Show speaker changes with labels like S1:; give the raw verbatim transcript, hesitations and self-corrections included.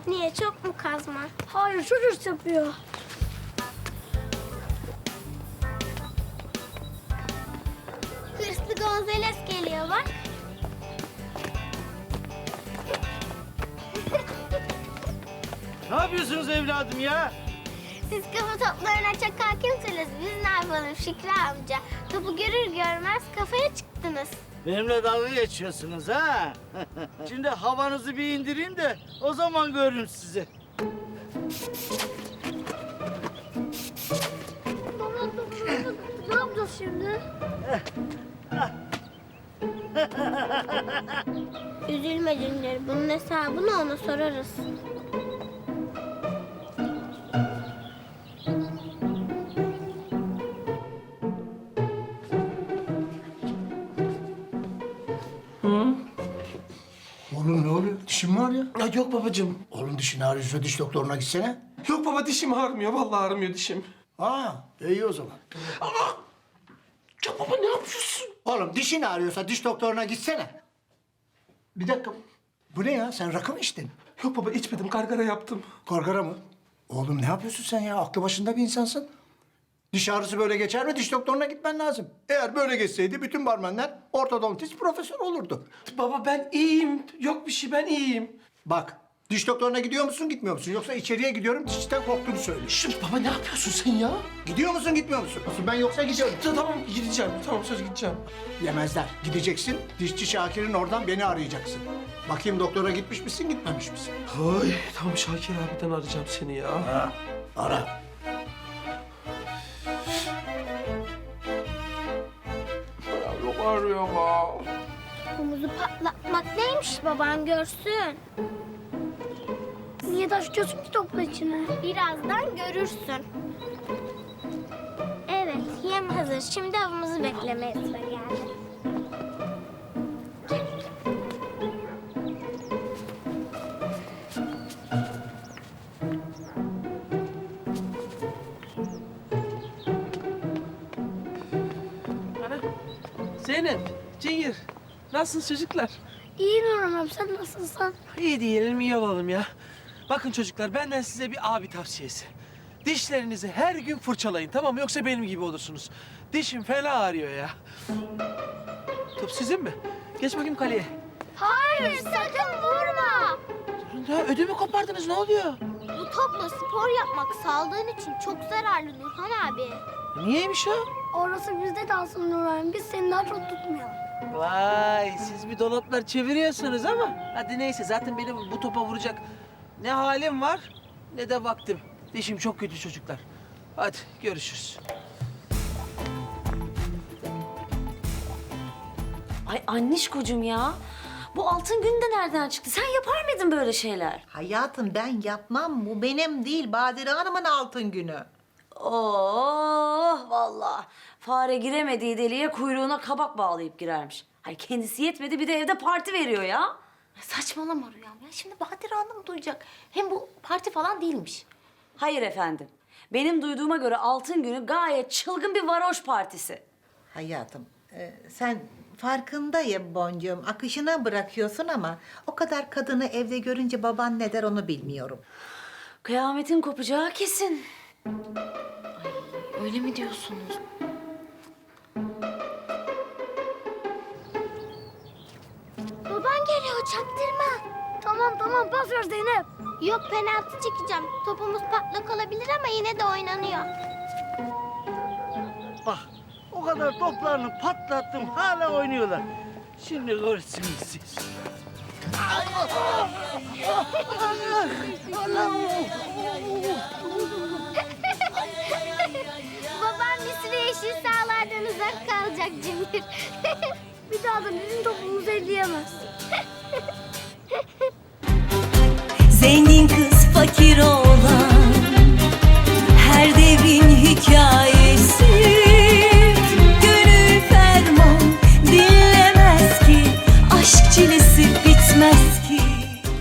S1: Niye, çok mu kazma?
S2: Hayır, çok hırs yapıyor.
S1: Hırslı Gonzales geliyor bak.
S3: Ne yapıyorsunuz evladım ya?
S1: Siz kafa toplarına çok hakimsiniz. Biz ne yapalım Şükrü amca? Topu görür görmez kafaya çıktınız.
S3: Benimle dalga geçiyorsunuz ha? Şimdi havanızı bir indireyim de o zaman görün sizi.
S2: Baba, ne yapacağız şimdi?
S1: Üzülme Cündür. Bunun hesabını ona sorarız.
S4: Oğlum ne oluyor? Dişin mi ağrıyor?
S5: Ya yok babacığım.
S4: Oğlum dişin ağrıyorsa diş doktoruna gitsene.
S5: Yok baba dişim ağrımıyor. Vallahi ağrımıyor dişim.
S4: Aa, iyi o zaman.
S5: Ya baba ne yapıyorsun?
S4: Oğlum dişin ağrıyorsa diş doktoruna gitsene. Bir dakika. Bu ne ya? Sen rakı mı içtin?
S5: Yok baba içmedim. Gargara yaptım.
S4: Gargara mı? Oğlum ne yapıyorsun sen ya? Aklı başında bir insansın. Diş ağrısı böyle geçer mi? Diş doktoruna gitmen lazım. Eğer böyle geçseydi bütün barmenler ortodontist profesör olurdu.
S5: Baba ben iyiyim. Yok bir şey ben iyiyim.
S4: Bak, diş doktoruna gidiyor musun, gitmiyor musun? Yoksa içeriye gidiyorum, dişten korktuğunu söyle.
S5: Şşş baba ne yapıyorsun sen ya?
S4: Gidiyor musun, gitmiyor musun? Ben yoksa gidiyorum.
S5: Ta- Tamam gideceğim. Tamam söz gideceğim.
S4: Yemezler. Gideceksin, dişçi Şakir'in oradan beni arayacaksın. Bakayım doktora gitmiş misin, gitmemiş misin?
S5: Ay tamam Şakir abiden arayacağım seni ya.
S4: Ha, ara.
S5: Ya yok arıyor ama.
S1: Omuzu patlatmak neymiş baban görsün.
S2: Niye taşıyorsun ki topla içine?
S1: Birazdan görürsün. Evet, yem hazır. Şimdi avımızı beklemeye sıra geldi.
S5: Ana. Zeynep, Cingir. Nasılsınız çocuklar?
S2: İyi Nurhan abi, sen nasılsın?
S5: İyi diyelim, iyi olalım ya. Bakın çocuklar, benden size bir abi tavsiyesi. Dişlerinizi her gün fırçalayın, tamam mı? Yoksa benim gibi olursunuz. Dişim fena ağrıyor ya. Top sizin mi? Geç bakayım kaleye.
S1: Hayır, sakın vurma.
S5: Ya ödümü kopardınız, ne oluyor?
S1: Bu topla spor yapmak sağlığın için çok zararlı Nurhan abi.
S5: Niyeymiş o?
S2: Orası bizde kalsın Nurhan, biz seni daha çok tutmayalım.
S5: Vay, siz bir dolaplar çeviriyorsunuz ama... Hadi neyse, zaten benim bu topa vuracak ne halim var ne de vaktim. Dişim çok kötü çocuklar. Hadi görüşürüz.
S6: Ay annişkocuğum ya. Bu altın gün de nereden çıktı? Sen yapar mıydın böyle şeyler?
S7: Hayatım ben yapmam. Bu benim değil. Badire Hanım'ın altın günü.
S6: Oh vallahi. Fare giremediği deliğe kuyruğuna kabak bağlayıp girermiş. Ay kendisi yetmedi bir de evde parti veriyor ya.
S8: Saçmalama Rüyam ya. Şimdi Badire Hanım duyacak. Hem bu parti falan değilmiş.
S6: Hayır efendim. Benim duyduğuma göre altın günü gayet çılgın bir varoş partisi.
S7: Hayatım e, sen farkındayım Boncuğum. Akışına bırakıyorsun ama o kadar kadını evde görünce baban ne der onu bilmiyorum.
S6: Kıyametin kopacağı kesin.
S8: Öyle mi diyorsunuz?
S1: Baban geliyor, çaktırma.
S2: Tamam tamam, pas ver Zeynep.
S1: Yok, penaltı çekeceğim. Topumuz patlak olabilir ama yine de oynanıyor.
S3: Bak, o kadar toplarını patlattım, hala oynuyorlar. Şimdi görürsünüz siz.
S1: Babam bir süre yeşil sahalardan uzak kalacak Cemil.
S2: Bir daha da bizim topumuzu elleyemez.
S9: Zengin kız fakir oğlan